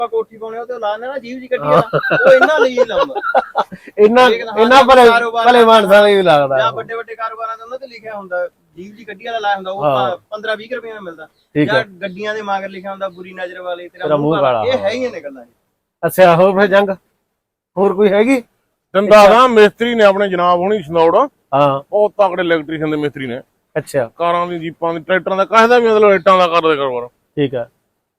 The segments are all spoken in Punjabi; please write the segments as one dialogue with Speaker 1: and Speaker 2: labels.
Speaker 1: ਕੋਠੀ ਪਾਉਣੇ ਉਹ ਤੇ ਲਾਣੇ ਨਾ ਜੀਵ ਜੀ ਕੱਢੀ ਆ ਉਹ ਇਹਨਾਂ ਲਈ ਲਾਉਂਦਾ
Speaker 2: ਇਹਨਾਂ ਭਲੇ ਮਾਨਸਾਂ ਲਈ ਲੱਗਦਾ
Speaker 1: ਜਾਂ ਵੱਡੇ ਵੱਡੇ ਕਾਰੋਬਾਰਾਂ ਦੇ ਉਹਨਾਂ ਤੇ ਲਿਖਿਆ ਹੁੰਦਾ ਜੀਵ ਜੀ ਕੱਢੀ ਵਾਲਾ ਲਾਇਆ ਹੁੰਦਾ ਉਹ 15-20 ਰੁਪਏ ਨਾਲ ਮਿਲਦਾ ਜਾਂ ਗੱਡੀਆਂ ਦੇ ਮਗਰ ਲਿਖਿਆ ਹੁੰਦਾ ਬੁਰੀ ਨਜ਼ਰ ਵਾਲੇ ਤੇਰਾ ਮੂੰਹ ਕਾਲਾ ਇਹ ਹੈ ਹੀ ਨੇ ਗੱਲਾਂ
Speaker 2: ਅੱਛਾ ਹੋਰ ਫਿਰ ਜੰਗ ਹੋਰ ਕੋਈ ਹੈਗੀ
Speaker 3: ਦੰਦਾ ਦਾ ਮਿਸਤਰੀ ਨੇ ਆਪਣੇ ਜਨਾਬ ਹੋਣੀ ਸਨੌੜ
Speaker 2: ਹਾਂ
Speaker 3: ਬਹੁਤ ਤਕੜੇ ਇਲੈਕਟ੍ਰੀਸ਼ੀਅਨ ਦੇ ਮਿਸਤਰੀ ਨੇ
Speaker 2: ਅੱਛਾ
Speaker 3: ਕਾਰਾਂ ਦੀ ਜੀਪਾਂ ਦੀ ਟਰੈਕਟਰਾਂ ਦਾ ਕਾਹਦਾ ਵੀ ਮਤਲਬ ਰੇਟਾਂ ਦਾ ਕਰਦੇ ਕਾਰੋਬਾਰ
Speaker 2: ਠੀਕ ਆ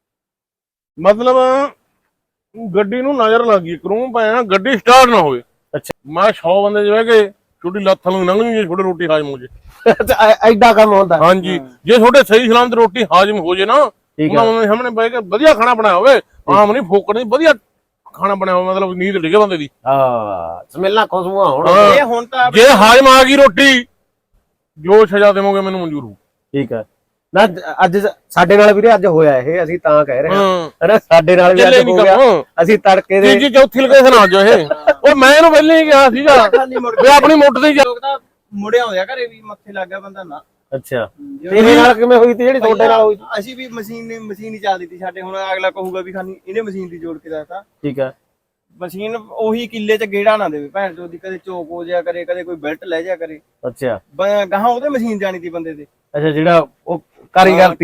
Speaker 3: ਮਤਲਬ ਗੱਡੀ ਨੂੰ ਨਜ਼ਰ ਲੱਗ ਗਈ ਕਰੂੰ ਪਾਇਆ ਗੱਡੀ ਸਟਾਰਟ ਨਾ ਹੋਵੇ
Speaker 2: ਅੱਛਾ
Speaker 3: ਮੈਂ 100 ਬੰਦੇ ਚ ਬਹਿ ਕੇ ਛੋਟੀ ਲੱਤ ਨੂੰ ਲੰਘਣੀ ਜੇ ਛੋਟੀ ਰੋਟੀ ਹਾਜ਼ਮ ਹੋ ਜੇ
Speaker 2: ਐਡਾ ਕੰਮ ਹੁੰਦਾ
Speaker 3: ਹਾਂਜੀ ਜੇ ਤੁਹਾਡੇ ਸਹੀ ਸਲਾਮਤ ਰੋਟੀ ਹਾਜ਼ਮ ਹੋ ਜੇ ਨਾ ਉਹਨਾਂ ਦੇ ਸਾਹਮਣੇ ਬਹਿ ਕੇ ਵਧੀਆ ਖਾਣਾ ਬਣਾਇਆ ਹੋਵੇ ਆਮ ਨਹੀਂ ਫੋਕੜ ਨਹੀਂ ਵਧੀਆ ਖਾਣਾ ਬਣਾਇਆ ਹੋਵੇ ਮਤਲਬ ਨੀਂਦ ਡਿੱਗੇ ਬੰਦੇ ਦੀ
Speaker 2: ਹਾਂ ਸਮੈਲਾਂ ਖੁਸ਼ਬੂਆਂ ਹੋਣ
Speaker 1: ਇਹ ਹੁਣ ਤਾਂ
Speaker 3: ਜੇ ਹਾਜ਼ਮ ਆ ਗਈ ਰੋਟੀ ਜੋ ਸਜ਼ਾ ਦੇਵੋਗੇ ਮੈਨੂੰ ਮਨਜ਼ੂਰ ਹੋ ਠੀਕ
Speaker 2: ਹੈ ਨਾ ਅੱਜ ਸਾਡੇ ਨਾਲ ਵੀਰੇ ਅੱਜ ਹੋਇਆ ਇਹ ਅਸੀਂ ਤਾਂ ਕਹਿ ਰਹੇ ਹਾਂ ਸਾਡੇ ਨਾਲ ਵੀ ਅੱਜ ਹੋ ਗਿਆ ਅਸੀਂ ਤੜਕੇ ਦੇ
Speaker 3: ਤੀਜੀ ਚੌਥੀ ਲੋਕੇਸ਼ਨ ਆ ਜੋ ਇਹ ਉਹ ਮੈਂ ਇਹਨੂੰ ਪਹਿਲਾਂ ਹੀ ਕਿਹਾ ਸੀਗਾ ਵੀ ਆਪਣੀ ਮੁੱਠ ਦੀ
Speaker 1: ਲੋਕ ਤਾਂ ਮੁੜਿਆ ਹੋਇਆ ਘਰੇ ਵੀ ਮੱਥੇ ਲੱਗ ਗਿਆ ਬੰਦਾ ਨਾ
Speaker 2: ਅੱਛਾ ਤੇਰੇ ਨਾਲ ਕਿਵੇਂ ਹੋਈ ਤੀ ਜਿਹੜੀ ਤੁਹਾਡੇ ਨਾਲ ਹੋਈ
Speaker 1: ਅਸੀਂ ਵੀ ਮਸ਼ੀਨ ਹੀ ਚੱਲ ਦਿੱਤੀ ਸਾਡੇ ਹੁਣ ਅਗਲਾ ਕਹੂਗਾ ਵੀ ਖਾਨੀ ਇਹਨੇ ਮਸ਼ੀਨ ਦੀ ਜੋੜ ਕੇ ਦੱਸਤਾ
Speaker 2: ਠੀਕ ਹੈ
Speaker 1: ਮਸ਼ੀਨ ਉਹੀ ਕਿੱਲੇ ਚ ਗੇੜਾ ਨਾ ਦੇਵੇ ਭੈਣ ਚੋਦੀ ਕਦੇ ਚੋਕ ਹੋ ਜਾ ਕਰੇ ਕਦੇ ਕੋਈ ਬੈਲਟ ਲੈ ਜਾ ਕਰੇ
Speaker 2: ਅੱਛਾ
Speaker 1: ਗਾਹਾਂ ਉਹਦੇ ਮਸ਼ੀਨ ਜਾਣੀ ਤੀ ਬੰਦੇ ਤੇ
Speaker 2: ਅੱਛਾ ਜਿਹੜਾ ਉਹ ਕਾਰੀਗਰ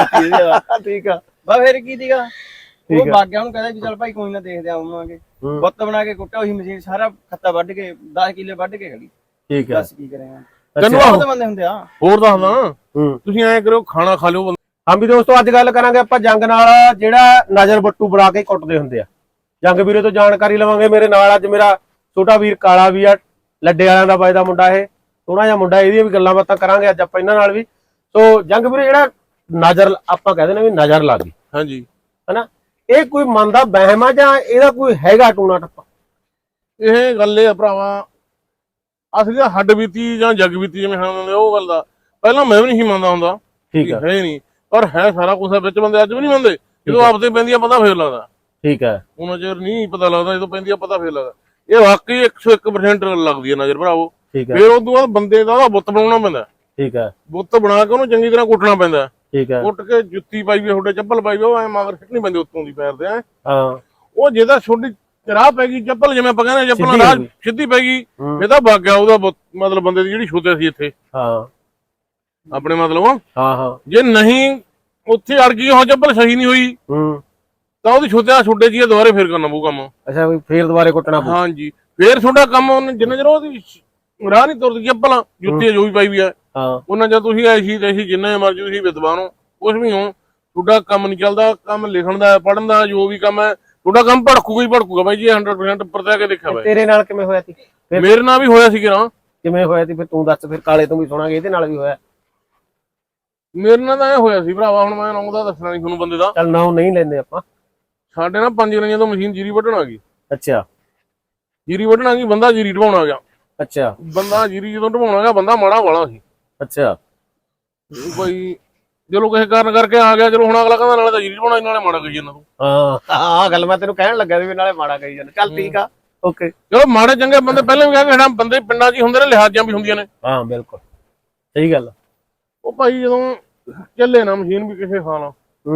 Speaker 2: ਠੀਕ ਆ
Speaker 1: ਬਾ ਫਿਰ ਕੀ ਸੀਗਾ ਉਹ ਬਾਗਿਆ ਉਹਨੂੰ ਕਹਿੰਦਾ ਵੀ ਚੱਲ ਭਾਈ ਕੋਈ ਨਾ ਦੇਖਦੇ ਆਵਾਂਗੇ ਬੁੱਤ ਬਣਾ ਕੇ ਕੁੱਟਿਆ ਉਹੀ ਮਸ਼ੀਨ ਸਾਰਾ ਖੱਤਾ ਵੱਢ ਕੇ 10 ਕਿੱਲੇ ਵੱਢ ਕੇ ਖੜੀ
Speaker 2: ਠੀਕ ਆ
Speaker 1: ਦੱਸ ਕੀ ਕਰੇਗਾ
Speaker 3: ਤੈਨੂੰ
Speaker 1: ਬਹੁਤ ਬੰਦੇ ਹੁੰਦੇ ਆ
Speaker 3: ਹੋਰ ਦੱਸਦਾ ਤੁਸੀਂ ਐਂ ਕਰੋ ਖਾਣਾ ਖਾ ਲਿਓ
Speaker 2: ਹਾਂ ਵੀ ਦੋਸਤੋ ਅੱਜ ਗੱਲ ਕਰਾਂਗੇ ਆਪਾਂ ਜੰਗ ਨਾਲ ਜਿਹੜਾ ਨਜ਼ਰ ਬੱਟੂ ਬਣਾ ਕੇ ਕੁੱਟਦੇ ਹੁੰਦੇ ਆ ਜੰਗ ਵੀਰੇ ਤੋਂ ਜਾਣਕਾਰੀ ਲਵਾਂਗੇ ਮੇਰੇ ਨਾਲ ਅੱਜ ਮੇਰਾ ਛੋਟਾ ਵੀਰ ਕਾਲਾ ਵੀ ਆ ਲੱਡੇ ਵਾਲਿਆਂ ਦਾ ਵੱਜਦਾ ਮੁੰਡਾ ਇਹ ਸੋਹਣਾ ਜਿਹਾ ਮੁੰਡਾ ਇਹਦੀਆਂ ਵੀ ਗੱਲਾਂ ਬਾਤਾਂ ਕਰਾਂਗੇ ਅੱਜ ਆਪਾਂ ਇਹਨਾਂ ਨਾਲ ਵੀ ਸੋ ਜੰਗ ਵੀਰੇ ਜਿਹੜਾ ਨਜ਼ਰ ਆਪਾਂ ਕਹਿੰਦੇ ਨੇ ਵੀ ਨਜ਼ਰ ਲੱਗ ਗਈ
Speaker 3: ਹਾਂਜੀ
Speaker 2: ਹਨਾ ਇਹ ਕੋਈ ਮਨ ਦਾ ਵਹਿਮ ਆ ਜਾਂ ਇਹਦਾ ਕੋਈ ਹੈਗਾ ਟੂਣਾ ਟੱਪਾ
Speaker 3: ਇਹ ਗੱਲ ਇਹ ਆ ਭਰਾਵਾ ਅਸਲੀ ਹੱਡ ਬੀਤੀ ਜਾਂ ਜਗ ਬੀਤੀ ਜਿਵੇਂ ਹੁੰਦੇ ਉਹ ਗੱਲ ਦਾ ਪਹਿਲਾਂ ਮੈਂ ਵੀ ਨਹੀਂ ਮੰਨਦਾ ਹੁੰਦਾ
Speaker 2: ਠੀਕ ਹੈ
Speaker 3: ਨਹੀਂ ਪਰ ਹੈ ਸਾਰਾ ਕੁਝ ਵਿੱਚ ਬੰਦੇ ਅੱਜ ਵੀ ਨਹੀਂ ਮੰਨਦੇ ਜਦੋਂ ਆਪਦੇ ਪੈਂਦੀਆਂ ਪਤਾ ਫੇਰ ਲੱਗਦਾ
Speaker 2: ਠੀਕ ਹੈ
Speaker 3: ਉਹਨਾਂ ਚਿਰ ਨਹੀਂ ਪਤਾ ਲੱਗਦਾ ਜਦੋਂ ਪੈਂਦੀਆਂ ਪਤਾ ਫੇਰ ਲੱਗਦਾ ਇਹ ਵਾਕਈ 101% ਲੱਗਦੀ ਹੈ ਨਜ਼ਰ ਭਰਾਵੋ ਫੇਰ ਉਦੋਂ ਬਾਅਦ ਬੰਦੇ ਦਾ ਬੁੱਤ ਬਣਾਉਣਾ ਪੈਂਦਾ
Speaker 2: ਠੀਕ ਹੈ
Speaker 3: ਬੁੱਤ ਬਣਾ ਕੇ ਉਹਨੂੰ ਚੰਗੀ ਤਰ੍ਹਾਂ ਕੁੱਟਣਾ ਪੈਂਦਾ
Speaker 2: ਠੀਕ ਹੈ
Speaker 3: ਕੁੱਟ ਕੇ ਜੁੱਤੀ ਪਾਈ ਵੀ ਤੁਹਾਡੇ ਚੱਪਲ ਪਾਈ ਵੀ ਉਹ ਐ ਮਗਰ ਸਿੱਟਣੀ ਪੈਂਦੀ ਉੱਤੋਂ ਦੀ ਪੈਰ ਦੇ
Speaker 2: ਹਾਂ
Speaker 3: ਉਹ ਜਿਹਦਾ ਛੋਟੀ ਰਾਹ ਪੈ ਗਈ ਚੱਪਲ ਜਿਵੇਂ ਆਪਾਂ ਕਹਿੰਦੇ ਚੱਪਲਾਂ ਰਾਹ ਸਿੱਧੀ ਪੈ ਗਈ ਇਹ ਤਾਂ ਵਗ ਗਿਆ ਉਹਦਾ ਮਤਲਬ ਬੰਦੇ ਦੀ ਜਿਹੜੀ ਛੁੱਤੇ ਸੀ ਇੱਥੇ
Speaker 2: ਹਾਂ
Speaker 3: ਆਪਣੇ ਮਤਲਬ
Speaker 2: ਹਾਂ
Speaker 3: ਜੇ ਨਹੀਂ ਉੱਥੇ ਅੜ ਗਈ ਉਹ ਚੱਪਲ ਸਹੀ ਨਹੀਂ ਹੋਈ ਤਾਂ ਉਹਦੀ ਛੁੱਟੇ ਜੀ ਦੁਬਾਰੇ ਫੇਰ ਕਰਨਾ ਪਊ ਕੰਮ
Speaker 2: ਅੱਛਾ ਵੀ ਫੇਰ ਦੁਬਾਰੇ ਕੁੱਟਣਾ ਪਊ
Speaker 3: ਹਾਂਜੀ ਫੇਰ ਤੁਹਾਡਾ ਕੰਮ ਉਹਨੇ ਜਿੰਨਾ ਚਿਰ ਉਹਦੀ ਰਾਹ ਨਹੀਂ ਤੁਰਦੀ ਚੱਪਲ ਜੁੱਤੀ ਜੋ ਵੀ ਪਾਈ ਵੀ ਆ ਉਹਨਾਂ ਜਦ ਤੁਸੀਂ ਐਸੀ ਤੇ ਜਿੰਨਾ ਮਰਜ਼ੀ ਤੁਸੀਂ ਵਿਦਵਾਨ ਹੋ ਕੁਛ ਵੀ ਹੋ ਤੁਹਾਡਾ ਕੰਮ ਨਹੀਂ ਚੱਲਦਾ ਕੰਮ ਲਿਖਣ ਦਾ ਪੜ੍ਹਨ ਦਾ ਜੋ ਵੀ ਕੰਮ ਹੈ ਤੁਹਾਡਾ ਕੰਮ ਭੜਕੂਗਾ ਬਾਈ ਜੀ 100% ਪਰਤਿਆ ਕੇ ਦੇਖਿਆ ਬਾਈ
Speaker 2: ਤੇਰੇ ਨਾਲ ਕਿਵੇਂ ਹੋਇਆ ਸੀ
Speaker 3: ਮੇਰੇ ਨਾਲ ਵੀ ਹੋਇਆ ਸੀ ਕਿਰਾਂ
Speaker 2: ਕਿਵੇਂ ਹੋਇਆ ਸੀ ਫਿਰ ਤੂੰ ਦੱਸ ਫਿਰ ਕਾਲੇ ਤੋਂ ਵੀ ਸੁਣਾਂਗੇ ਇਹਦੇ ਨਾਲ ਵੀ ਹੋਇਆ
Speaker 3: ਮੇਰੇ ਨਾਲ ਤਾਂ ਇਹ ਹੋਇਆ ਸੀ ਭਰਾਵਾ ਹੁਣ ਮੈਂ ਨਾਮ ਦਾ ਦੱਸਣਾ ਨਹੀਂ ਤੁਹਾਨੂੰ ਬੰਦੇ ਦਾ
Speaker 2: ਚੱਲ ਨਾਮ ਨਹੀਂ ਲੈਂਦੇ ਆਪਾਂ
Speaker 3: ਸਾਡੇ ਨਾਲ 5 ਗਰਾਈਆਂ ਤੋਂ ਮਸ਼ੀਨ ਜੀਰੀ ਵੱਢਣ ਆ ਗਈ
Speaker 2: ਅੱਛਾ
Speaker 3: ਜੀਰੀ ਵੱਢਣ ਆ ਗਈ ਬੰਦਾ ਜੀਰੀ ਢਵਾਉਣ ਆ ਗਿਆ
Speaker 2: ਅੱਛਾ
Speaker 3: ਬੰਦਾ ਜੀਰੀ ਜਦੋਂ ਢਵਾਉਣ ਆ ਗਿਆ ਬੰਦਾ ਮਾੜਾ ਵਾਲਾ ਸੀ
Speaker 2: ਅੱਛਾ
Speaker 3: ਕੋਈ ਚਲੋ ਕਿਸੇ ਕਾਰਨ ਕਰਕੇ ਆ ਗਿਆ ਚਲੋ ਹੁਣ ਅਗਲਾ ਕਹਿੰਦਾ ਨਾਲੇ ਤਾਂ ਜੀਰੀ ਢਵਾਉਣਾ ਨਾਲੇ ਮਾੜਾ ਕਹੀ ਜਾਂਦਾ ਤੂੰ
Speaker 2: ਹਾਂ ਗੱਲ ਮੈਂ ਤੈਨੂੰ ਕਹਿਣ ਲੱਗਾ ਸੀ ਵੀ ਨਾਲੇ ਮਾੜਾ ਕਹੀ ਜਾਂਦਾ ਚੱਲ ਠੀਕ ਆ ਓਕੇ
Speaker 3: ਚਲੋ ਮਾੜੇ ਚੰਗੇ ਬੰਦੇ ਪਹਿਲਾਂ ਵੀ ਕਹਿੰਦੇ ਜਿਹੜਾ ਬੰਦੇ ਪਿੰਡਾਂ 'ਚ ਹੀ ਹੁੰਦੇ ਨੇ ਲਿਹਾਜ਼ਾਂ ਵੀ ਹੁੰਦੀਆਂ ਨੇ
Speaker 2: ਹਾਂ ਬਿਲਕੁਲ ਸਹੀ ਗੱਲ
Speaker 3: ਉਹ ਭਾਈ ਜਦੋਂ ਚੱਲੇ ਨਾ ਮਸ਼ੀਨ ਵੀ ਕਿਸੇ ਹਾਲ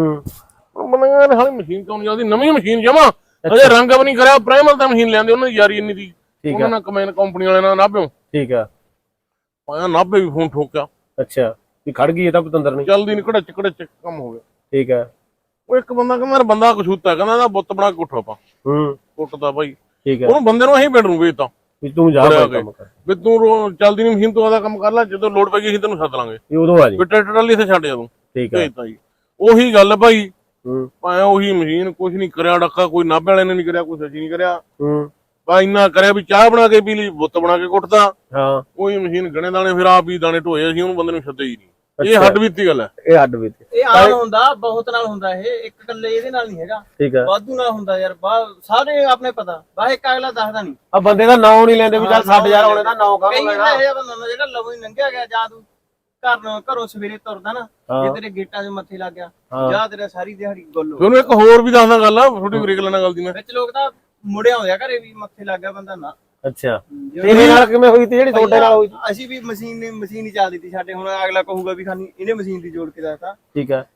Speaker 3: ਬੰਦਾ ਹਾਲੇ ਮਸ਼ੀਨ ਕਿਉਂ ਨਹੀਂ ਚੱਲਦੀ ਨਵੀਂ ਮਸ਼ੀਨ ਜਮਾ ਅਜੇ ਰੰਗ ਵੀ ਨਹੀਂ ਕਰਿਆ ਪ੍ਰਾਈਮਰ ਤਾਂ ਮਸ਼ੀਨ ਲੈਂਦੇ ਉਹਨਾਂ ਦੀ ਯਾਰੀ ਇੰਨੀ ਦੀ ਉਹਨਾਂ ਨਾਲ ਕਮੈਨ ਕੰਪਨੀ ਵਾਲੇ ਨਾਲ ਨਾਭਿਓ
Speaker 2: ਠੀਕ ਆ
Speaker 3: ਪਾਇਆ ਨਾਭੇ ਵੀ ਫੋਨ ਠੋਕਿਆ
Speaker 2: ਅੱਛਾ ਵੀ ਖੜ ਗਈ ਇਹ ਤਾਂ ਪਤੰਦਰ ਨਹੀਂ
Speaker 3: ਚੱਲਦੀ ਨਹੀਂ ਘੜਚ ਕੰਮ ਹੋ ਗਿਆ
Speaker 2: ਠੀਕ ਆ
Speaker 3: ਉਹ ਇੱਕ ਬੰਦਾ ਕਹਿੰਦਾ ਮੇਰਾ ਬੰਦਾ ਕਛੂਤਾ ਕਹਿੰਦਾ ਇਹਦਾ ਬੁੱਤ ਬਣਾ ਕੇ ਉੱਠੋ ਆਪਾਂ ਕੁੱਟਦਾ ਭਾਈ
Speaker 2: ਠੀਕ ਆ
Speaker 3: ਉਹਨੂੰ ਬੰਦੇ ਨੂੰ ਅਸੀਂ ਬੈਡ ਨੂੰ ਵੇਚਤਾ
Speaker 2: ਵੀ ਤੂੰ ਜਾ ਕੰਮ ਕਰ
Speaker 3: ਵੀ ਤੂੰ ਚੱਲਦੀ ਨਹੀਂ ਮਸ਼ੀਨ ਤੂੰ ਆਦਾ ਕੰਮ ਕਰ ਲੈ ਜਦੋਂ ਲੋਡ ਪੈ ਗਈ ਅਸੀਂ ਤੈਨੂੰ ਸੱਦ ਲਾਂਗੇ
Speaker 2: ਉਦੋਂ ਆ ਜੀ
Speaker 3: ਵੀ ਟਰੈਕਟਰ ਵਾਲੀ ਇੱਥੇ ਛੱਡ ਜਾ ਤੂੰ
Speaker 2: ਠੀਕ ਆ
Speaker 3: ਜੀ ਉਹੀ ਗੱਲ ਭਾਈ ਭਾਵੇਂ ਉਹੀ ਮਸ਼ੀਨ ਕੁਛ ਨਹੀਂ ਕਰਿਆ ਡੱਕਾ ਕੋਈ ਨਾਭੇ ਵਾਲੇ ਨੇ ਨਹੀਂ ਕਰਿਆ ਕੋਈ ਸੱਚੀ ਨਹੀਂ ਕਰਿਆ ਭਾਈ ਇੰਨਾ ਕਰਿਆ ਵੀ ਚਾਹ ਬਣਾ ਕੇ ਪੀ ਲਈ ਬੁੱਤ ਬਣਾ ਕੇ ਕੁੱਟਦਾ
Speaker 2: ਹਾਂ
Speaker 3: ਉਹੀ ਮਸ਼ੀਨ ਗਣੇ ਦਾਣੇ ਫਿਰ ਆਪ ਹੀ ਦਾਣੇ ਢੋਏ ਅਸੀਂ ਉਹਨੂੰ ਬੰਦੇ ਨੂੰ ਛੱਡੇ ਹੀ ਨਹੀਂ ਇਹ ਹੱਡ ਬੀਤੀ ਗੱਲ ਹੈ
Speaker 2: ਇਹ ਹੱਡ ਬੀਤੀ
Speaker 1: ਇਹ ਆਮ ਹੁੰਦਾ ਬਹੁਤ ਨਾਲ ਹੁੰਦਾ ਇਹ ਇੱਕ ਇਕੱਲੇ ਇਹਦੇ ਨਾਲ ਨਹੀਂ ਹੈਗਾ
Speaker 2: ਠੀਕ ਆ
Speaker 1: ਵਾਧੂ ਨਾਲ ਹੁੰਦਾ ਯਾਰ ਸਾਰੇ ਆਪਣੇ ਪਤਾ ਬਾਹ ਇੱਕ ਅਗਲਾ ਦੱਸਦਾ ਨਹੀਂ
Speaker 2: ਆ ਬੰਦੇ ਦਾ ਨਾਂ ਨਹੀਂ ਲੈਂਦੇ ਵੀ ਚੱਲ 60000 ਹੋਣੇ ਦਾ ਨਾਂ ਕਾਹਨੂੰ ਲੈਣਾ
Speaker 1: ਇਹ ਬੰਦਾ ਹੁੰਦਾ ਜਿਹੜਾ ਲਵੋਂ ਹੀ ਲੰਘਿਆ ਗਿਆ ਜਾਂ ਤੂੰ ਘਰੋਂ ਸਵੇਰੇ ਤੁਰਦਾ ਨਾ ਜੇ ਤੇਰੇ ਗੇਟਾਂ 'ਚ ਮੱਥੇ ਲੱਗ ਗਿਆ ਜਾਂ ਤੇਰਾ ਸਾਰੀ ਦਿਹਾੜੀ ਗੁੱਲ ਹੋ
Speaker 3: ਤੁਹਾਨੂੰ ਇੱਕ ਹੋਰ ਵੀ ਦੱਸਦਾ ਗੱਲ ਆ ਥੋੜੀ ਬ੍ਰੇਕ ਲੈਣਾ ਗੱਲ ਦੀ ਮੈਂ
Speaker 1: ਵਿੱਚ ਲੋਕ ਤਾਂ ਮੁੜਿਆ ਹੋਇਆ ਘਰੇ ਵੀ ਮੱਥੇ ਲੱਗ ਗਿਆ ਬੰਦਾ ਨਾ
Speaker 2: ਅੱਛਾ ਤੇਰੇ ਨਾਲ ਕਿਵੇਂ ਹੋਈ ਤੀ ਜਿਹੜੀ ਤੁਹਾਡੇ ਨਾਲ ਹੋਈ
Speaker 1: ਅਸੀਂ ਵੀ ਮਸ਼ੀਨ ਹੀ ਚੱਲ ਦਿੱਤੀ ਸਾਡੇ ਹੁਣ ਅਗਲਾ ਕਹੂਗਾ ਵੀ ਖਾਨੀ ਇਹਨੇ ਮਸ਼ੀਨ ਦੀ ਜੋੜ ਕੇ ਦੱਸਤਾ
Speaker 2: ਠੀਕ ਆ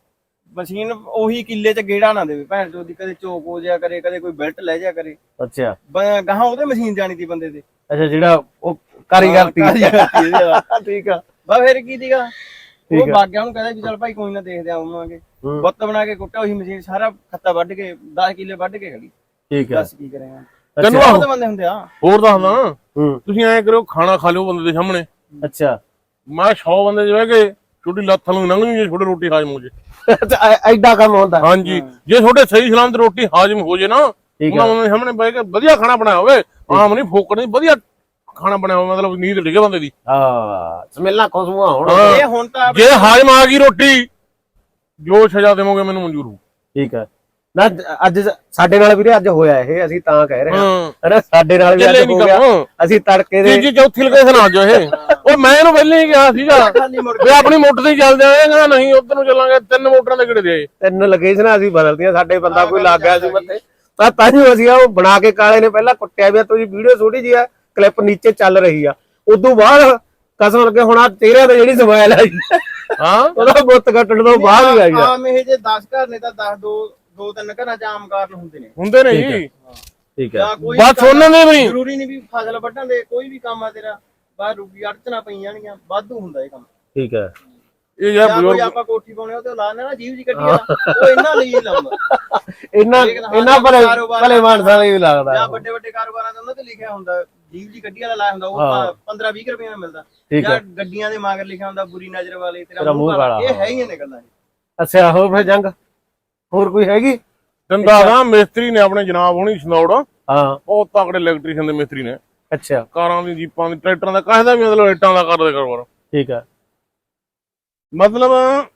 Speaker 1: ਮਸ਼ੀਨ ਉਹੀ ਕਿੱਲੇ 'ਚ ਗੇੜਾ ਨਾ ਦੇਵੇ ਭੈਣ ਚੋਦ ਦੀ, ਕਦੇ ਚੋਕ ਹੋ ਜਾਇਆ ਕਰੇ, ਕਦੇ ਕੋਈ ਬੈਲਟ ਲੈ ਜਾਇਆ ਕਰੇ।
Speaker 2: ਅੱਛਾ
Speaker 1: ਗਾਹਾਂ ਉਹਦੇ ਮਸ਼ੀਨ ਜਾਣੀ ਤੀ ਬੰਦੇ ਤੇ।
Speaker 2: ਅੱਛਾ ਜਿਹੜਾ ਉਹ ਕਾਰੀਗਰ ਤੀ ਠੀਕ ਆ
Speaker 1: ਬਾ ਫਿਰ ਕੀ ਸੀਗਾ, ਉਹ ਬਾਗਿਆਂ ਨੂੰ ਕਹਿੰਦਾ ਵੀ ਚੱਲ ਭਾਈ ਕੋਈ ਨਾ ਦੇਖਦੇ ਆਵਾਂਗੇ। ਬੁੱਤ ਬਣਾ ਕੇ ਕੁੱਟਿਆ ਉਹੀ ਮਸ਼ੀਨ, ਸਾਰਾ ਖੱਤਾ ਵੱਢ ਕੇ 10 ਕਿੱਲੇ ਵੱਢ ਕੇ ਖੜੀ।
Speaker 2: ਠੀਕ ਆ,
Speaker 1: ਦੱਸ ਕੀ ਕਰੇਗਾ,
Speaker 3: ਤੈਨੂੰ
Speaker 1: ਬਹੁਤ ਬੰਦੇ ਹੁੰਦੇ ਆ।
Speaker 3: ਹੋਰ ਦੱਸਦਾ, ਤੁਸੀਂ ਐਂ ਕਰਿਓ ਖਾਣਾ ਖਾ ਲਿਓ ਬੰਦੇ ਦੇ ਸਾਹਮਣੇ।
Speaker 2: ਅੱਛਾ
Speaker 3: ਮੈਂ 100 ਬੰਦੇ ਜਿਵੇਂ ਕਿ ਛੋਟੀ ਲੱਤ ਨੂੰ ਲੰਘ ਜੇ ਛੋਟੇ ਰੋਟੀ ਹਾਜ਼ਮ ਹੋ ਜੇ।
Speaker 2: ਐਡਾ ਕੰਮ ਹੁੰਦਾ।
Speaker 3: ਹਾਂਜੀ, ਜੇ ਤੁਹਾਡੇ ਸਹੀ ਸਲਾਮਤ ਰੋਟੀ ਹਾਜ਼ਮ ਹੋ ਜੇ ਨਾ, ਉਹਨਾਂ ਦੇ ਸਾਹਮਣੇ ਬਹਿ ਕੇ ਵਧੀਆ ਖਾਣਾ ਬਣਾਇਆ ਹੋਵੇ, ਆਮ ਨਹੀਂ ਫੋਕੜ ਨਹੀਂ, ਵਧੀਆ ਖਾਣਾ ਬਣਾਇਆ ਹੋਵੇ, ਮਤਲਬ ਨੀਂਦ ਡਿੱਗੇ ਬੰਦੇ ਦੀ।
Speaker 2: ਹਾਂ ਸਮੈਲਾਂ ਖੁਸ਼ਬੂਆਂ ਹੋਣ।
Speaker 1: ਇਹ ਹੁਣ ਤਾਂ
Speaker 3: ਜੇ ਹਾਜ਼ਮ ਆ ਗਈ ਰੋਟੀ, ਜੋ ਸਜ਼ਾ ਦੇਵੋਗੇ ਮੈਨੂੰ ਮਨਜ਼ੂਰ ਹੋ।
Speaker 2: ਠੀਕ ਆ ਨਾ, ਅੱਜ ਸਾਡੇ ਨਾਲ ਵੀਰੇ ਅੱਜ ਹੋਇਆ ਇਹ, ਅਸੀਂ ਤਾਂ ਕਹਿ ਰਹੇ ਹਾਂ ਅਰੇ ਸਾਡੇ ਨਾਲ ਵੀ ਅੱਜ ਹੋ ਗਿਆ। ਅਸੀਂ ਤੜਕੇ ਦੇ
Speaker 3: ਤੀਜੀ ਚੌਥੀ ਲੋਕੇਸ਼ਨ ਆ ਜਾਓ ਇਹ। ਉਹ ਮੈਂ ਇਹਨੂੰ ਪਹਿਲਾਂ ਹੀ ਕਿਹਾ ਸੀਗਾ ਵੀ ਆਪਣੀ ਮੋਟਰ ਤੇ ਹੀ ਚੱਲਦੇ ਆਏ, ਕਹਿੰਦਾ ਨਹੀਂ ਉਧਰ ਨੂੰ ਚੱਲਾਂਗੇ, 3 ਮੋਟਰਾਂ ਦੇ ਕਿਹੜੇ ਦੇ
Speaker 2: 3 ਲੋਕੇਸ਼ਨਾਂ ਅਸੀਂ ਬਦਲਦੀਆਂ, ਸਾਡੇ ਬੰਦਾ ਕੋਈ ਲੱਗ ਗਿਆ ਸੀ ਮੱਥੇ ਤਾਂ ਹੀ ਅਸੀਂ ਉਹ ਬਣਾ ਕੇ ਕਾਲੇ ਨੇ ਪਹਿਲਾਂ ਕੁੱਟਿਆ ਵੀ ਤੁਸੀਂ ਵੀਡੀਓ ਛੋਟੀ ਜਿਹੀ ਆ, ਕਲਿੱਪ ਨੀਚੇ ਚੱਲ ਰਹੀ ਆ, ਉਦੋਂ ਬਾਅਦ ਕਸਮ ਲੱਗੇ ਹੁਣ ਤੇਰੇ ਤੇ ਜਿਹੜੀ ਸਮੈਲ ਆ
Speaker 3: ਹਾਂ
Speaker 2: ਉਹਦਾ ਬੁੱਤ ਕੱਟਣ ਤੋਂ ਬਾਅਦ ਹੀ ਆਈ ਆ।
Speaker 1: ਆਮ ਇਹ ਜੇ 10 ਘਰ ਨੇ ਤਾਂ 10 ਦੋ ਤਿੰਨ ਘਰਾਂ 'ਚ ਆਮ ਕਾਰਨ ਹੁੰਦੇ
Speaker 3: ਨੇ ਜੀ।
Speaker 2: ਠੀਕ ਹੈ,
Speaker 3: ਬਸ ਉਹਨਾਂ ਨੇ ਵੀ
Speaker 1: ਜ਼ਰੂਰੀ ਨਹੀਂ ਵੀ ਫਸਲ ਵੱਢਣ ਦੇ, ਕੋਈ ਵੀ ਕੰਮ ਆ ਤੇਰਾ ਬਾਹਰ ਰੁਕੀ ਅੜਚਣਾ ਪਈ ਜਾਣਗੀਆਂ, ਵਾਧੂ ਹੁੰਦਾ ਇਹ ਕੰਮ।
Speaker 2: ਠੀਕ ਹੈ,
Speaker 3: ਇਹ ਯਾਰ
Speaker 1: ਕੋਈ ਆਪਾਂ ਕੋਠੀ ਪਾਉਣੇ ਉਹ ਤੇ ਲਾਣੇ ਨਾ ਜੀਵ ਜੀ ਕੱਢੀ ਵਾਲਾ, ਉਹ ਇਹਨਾਂ ਲਈ ਲਾਉਂਦਾ।
Speaker 2: ਇਹਨਾਂ ਭਲੇ ਮਾਨਸਾਂ ਲਈ ਵੀ ਲੱਗਦਾ।
Speaker 1: ਜਾਂ ਵੱਡੇ ਵੱਡੇ ਕਾਰੋਬਾਰਾਂ ਦੇ ਉਹਨਾਂ ਤੇ ਲਿਖਿਆ ਹੁੰਦਾ ਜੀਵ ਜੀ ਕੱਢੀ ਵਾਲਾ ਲਾਇਆ ਹੁੰਦਾ, ਉਹ 15-20 ਰੁਪਏ ਨਾਲ ਮਿਲਦਾ। ਜਾਂ ਗੱਡੀਆਂ ਦੇ ਮਗਰ ਲਿਖਿਆ ਹੁੰਦਾ ਬੁਰੀ ਨਜ਼ਰ ਵਾਲੇ ਤੇਰਾ ਮੂੰਹ ਕਾਲਾ, ਇਹ ਹੈ ਹੀ ਨੇ ਗੱਲਾਂ।
Speaker 2: ਅੱਛਾ ਹੋਰ ਫਿਰ ਜੰਗ ਹੋਰ ਕੋਈ ਹੈਗੀ?
Speaker 3: ਦੰਦਾ ਦਾ ਮਿਸਤਰੀ ਨੇ ਆਪਣੇ ਜਨਾਬ ਹੋਣੀ ਸਨੌੜ,
Speaker 2: ਹਾਂ
Speaker 3: ਬਹੁਤ ਤਕੜੇ ਇਲੈਕਟ੍ਰੀਸ਼ੀਅਨ ਦੇ ਮਿਸਤਰੀ ਨੇ।
Speaker 2: ਅੱਛਾ
Speaker 3: ਕਾਰਾਂ ਦੀ, ਜੀਪਾਂ ਦੀ, ਟਰੈਕਟਰਾਂ ਦਾ, ਕਾਹਦਾ ਵੀ ਮਤਲਬ ਇੱਟਾਂ ਦਾ ਕਰਦੇ ਕਾਰੋਬਾਰ।
Speaker 2: ਠੀਕ ਆ,
Speaker 3: ਮਤਲਬ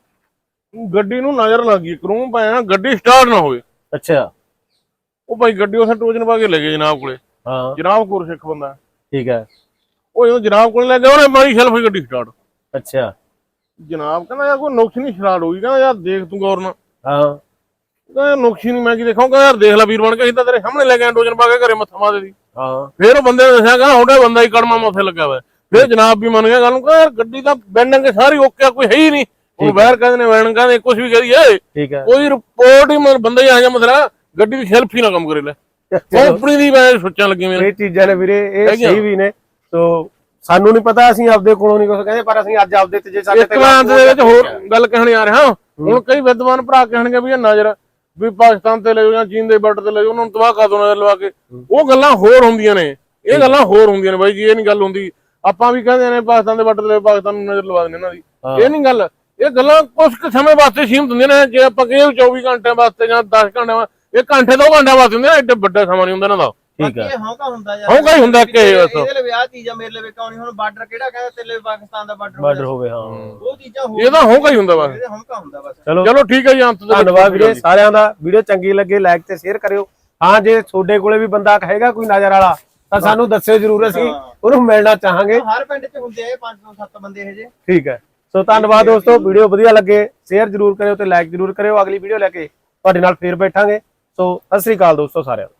Speaker 3: ਗੱਡੀ ਨੂੰ ਨਜ਼ਰ ਲੱਗ ਗਈ, ਕਰੂਮ ਪਾਇਆ, ਗੱਡੀ ਸਟਾਰਟ ਨਾ ਹੋਵੇ।
Speaker 2: ਅੱਛਾ
Speaker 3: ਉਹ ਭਾਈ ਗੱਡੀ ਉਸੇ ਟੋਜਨ ਪਾ ਕੇ ਲੈ ਗਏ ਜਨਾਬ ਕੋਲੇ।
Speaker 2: ਹਾਂ
Speaker 3: ਜਨਾਬ ਕੋਲ ਸਿੱਖ ਬੰਦਾ।
Speaker 2: ਠੀਕ ਹੈ,
Speaker 3: ਉਹ ਜਦੋਂ ਜਨਾਬ ਕੋਲ ਲੈ ਗਿਆ ਉਹਨੇ ਮਾਰੀ ਸ਼ੈਲਫ ਹੀ ਗੱਡੀ ਸਟਾਰਟ।
Speaker 2: ਅੱਛਾ
Speaker 3: ਜਨਾਬ ਕਹਿੰਦਾ ਯਾਰ ਕੋਈ ਨੁਕਸ ਨਹੀਂ ਸਟਾਰਟ ਹੋਈ, ਕਹਿੰਦਾ ਯਾਰ ਦੇਖ ਤੂੰ ਗੌਰ ਨਾਲ।
Speaker 2: ਹਾਂ
Speaker 3: ਕਹਿੰਦਾ ਨੁਕਸ ਹੀ ਨਹੀਂ, ਮੈਂ ਕੀ ਦੇਖਾਂਗਾ ਯਾਰ, ਦੇਖ ਲੈ ਵੀਰ ਬਣ ਕੇ, ਅਸੀਂ ਤਾਂ ਤੇਰੇ ਸਾਹਮਣੇ ਲੈ ਕੇ ਟੋਜਨ ਪਾ ਕੇ ਘਰੇ ਮੱਥਾ ਮਾਰ ਦੇ।
Speaker 2: ਹਾਂ
Speaker 3: ਫਿਰ ਉਹ ਬੰਦੇ ਨੇ ਦੱਸਿਆ ਕਹਿੰਦਾ ਤੁਹਾਡਾ ਬੰਦਾ ਹੀ ਕੜਮਾ ਮੱਥੇ ਲੱਗਾ ਹੋਇਆ। ਫਿਰ ਜਨਾਬ ਵੀ ਮੰਨ ਗਿਆ ਗੱਲ ਨੂੰ, ਕਹਿੰਦਾ ਯਾਰ ਗੱਡੀ ਤਾਂ ਬੈਂਡਿੰਗ ਸਾਰੀ ਓਕੇ, ਕੋਈ ਹੈ ਹੀ ਨਹੀਂ। ਉਹ ਬਾਹਰ ਕਹਿੰਦੇ ਨੇ ਵੈਣ ਕਹਿੰਦੇ ਕੁਝ ਵੀ ਕਰੀਏ,
Speaker 2: ਠੀਕ ਹੈ,
Speaker 3: ਕੋਈ ਰਿਪੋਰਟ ਹੀ ਬੰਦਾ ਹੀ ਆ ਜਾ ਮਸਲਾ, ਗੱਡੀ ਦੀ ਸ਼ੈਲਫ ਹੀ ਨਾ ਕੰਮ ਕਰੇ ਲੈ। ਕੰਪਨੀ ਦੀ ਮੈਂ ਸੋਚਣ ਲੱਗੀ ਮੇਰੇ
Speaker 2: ਇਹ ਚੀਜ਼ਾਂ ਨੇ ਵੀਰੇ, ਇਹ ਸਹੀ ਵੀ ਨੇ। ਸੋ ਸਾਨੂੰ ਨਹੀਂ ਪਤਾ, ਅਸੀਂ ਆਪਦੇ ਕੋਲੋਂ ਨਹੀਂ ਕੁਝ ਕਹਿੰਦੇ, ਪਰ ਅਸੀਂ ਅੱਜ ਆਪਦੇ ਤੇ ਜੇ ਸਾਡੇ
Speaker 3: ਤੇ ਦੇ ਵਿੱਚ ਹੋਰ ਗੱਲ ਕਹਿਣ ਆ ਰਿਹਾ। ਹੁਣ ਕਈ ਵਿਦਵਾਨ ਭਰਾ ਕਹਿਣਗੇ ਵੀ ਇਹ ਨਜ਼ਰ ਵੀ ਪਾਕਿਸਤਾਨ ਤੇ ਲੈ ਜਾਓ ਜਾਂ ਚੀਨ ਦੇ ਬਾਰਡਰ ਤੇ ਲੈ ਜਾਓ, ਉਹਨਾਂ ਨੂੰ ਤਬਾਹ ਕਰ ਦੋ ਨਜ਼ਰ ਲਵਾ ਕੇ। ਉਹ ਗੱਲਾਂ ਹੋਰ ਹੁੰਦੀਆਂ ਨੇ, ਇਹ ਗੱਲਾਂ ਹੋਰ ਹੁੰਦੀਆਂ ਨੇ ਬਾਈ ਜੀ, ਇਹ ਨਹੀਂ ਗੱਲ ਹੁੰਦੀ। ਆਪਾਂ ਵੀ ਕਹਿੰਦੇ ਨੇ ਪਾਕਿਸਤਾਨ ਦੇ ਬਾਰਡਰ ਤੇ ਪਾਕਿਸਤਾਨ ਨੂੰ ਨਜ਼ਰ ਲਵਾ ਦਿੰਦੇ ਇਹਨਾਂ ਦੀ, ਇਹ ਨਹੀਂ ਗੱਲ। ਇਹ ਗੱਲਾਂ ਕੁਝ ਕੁ ਸਮੇਂ ਵਾਸਤੇ ਸੀਮਤ ਹੁੰਦੀਆਂ ਨੇ। ਜੇ ਆਪਾਂ ਕਹੀਏ 24 ਘੰਟਿਆਂ ਵਾਸਤੇ ਜਾਂ 10 ਘੰਟਿਆਂ, ਇਹ ਘੰਟੇ 2 ਘੰਟਿਆਂ ਵਾਸਤੇ ਹੁੰਦੇ ਨੇ, ਐਡੇ ਵੱਡਾ ਸਮਾਂ ਨਹੀਂ ਹੁੰਦਾ ਇਹਨਾਂ ਦਾ।
Speaker 2: ਠੀਕ ਹੈ,
Speaker 1: ਹੌਂਕਾ ਹੁੰਦਾ ਯਾਰ,
Speaker 3: ਹੌਂਕਾ ਹੀ ਹੁੰਦਾ ਕਿ
Speaker 1: ਇਹਦੇ ਲਈ ਵਿਆਹ ਚੀਜ਼ਾਂ ਮੇਰੇ ਲਈ ਕਿਉਂ ਨਹੀਂ। ਹੁਣ ਬਾਰਡਰ ਕਿਹੜਾ ਕਹਿੰਦਾ ਤੇਰੇ ਲਈ ਪਾਕਿਸਤਾਨ ਦਾ ਬਾਰਡਰ
Speaker 2: ਹੋਵੇ। ਹਾਂ
Speaker 1: ਉਹ ਚੀਜ਼ਾਂ ਹੋ,
Speaker 3: ਇਹਦਾ ਹੌਂਕਾ ਹੀ ਹੁੰਦਾ ਬਸ,
Speaker 1: ਇਹਦੇ ਹੌਂਕਾ ਹੁੰਦਾ ਬਸ।
Speaker 3: ਚਲੋ ਠੀਕ ਹੈ ਜੀ, ਅੰਤ ਦੇ
Speaker 2: ਧੰਨਵਾਦ ਵੀਰੇ ਸਾਰਿਆਂ ਦਾ। ਵੀਡੀਓ ਚੰਗੀ ਲੱਗੇ ਲਾਈਕ ਤੇ ਸ਼ੇਅਰ ਕਰਿਓ। ਹਾਂ ਜੇ ਤੁਹਾਡੇ ਕੋਲੇ ਵੀ ਬੰਦਾ ਕਹੇਗਾ ਕੋਈ ਨਜ਼ਰ ਵਾਲਾ ਤਾਂ ਸਾਨੂੰ ਦੱਸਿਓ ਜਰੂਰ, ਅਸੀਂ ਉਹਨੂੰ ਮਿਲਣਾ ਚਾਹਾਂਗੇ।
Speaker 1: ਹਰ ਪਿੰਡ 'ਚ ਹੁੰਦੇ ਆ 5-7 ਬੰਦੇ ਇਹ ਜੇ।
Speaker 2: ਠੀਕ ਹੈ, ਸੋ ਧੰਨਵਾਦ ਦੋਸਤੋ। ਵੀਡੀਓ ਵਧੀਆ ਲੱਗੇ ਸ਼ੇਅਰ ਜਰੂਰ ਕਰਿਓ ਤੇ ਲਾਈਕ ਜਰੂਰ ਕਰਿਓ। ਅਗਲੀ ਵੀਡੀਓ ਲੈ ਕੇ ਤੁਹਾਡੇ ਨਾਲ ਫੇਰ ਬੈਠਾਂਗੇ। ਸੋ ਸਤਿ ਸ੍ਰੀ ਅਕਾਲ ਦੋਸਤੋ ਸਾਰਿਆਂ ਨੂੰ।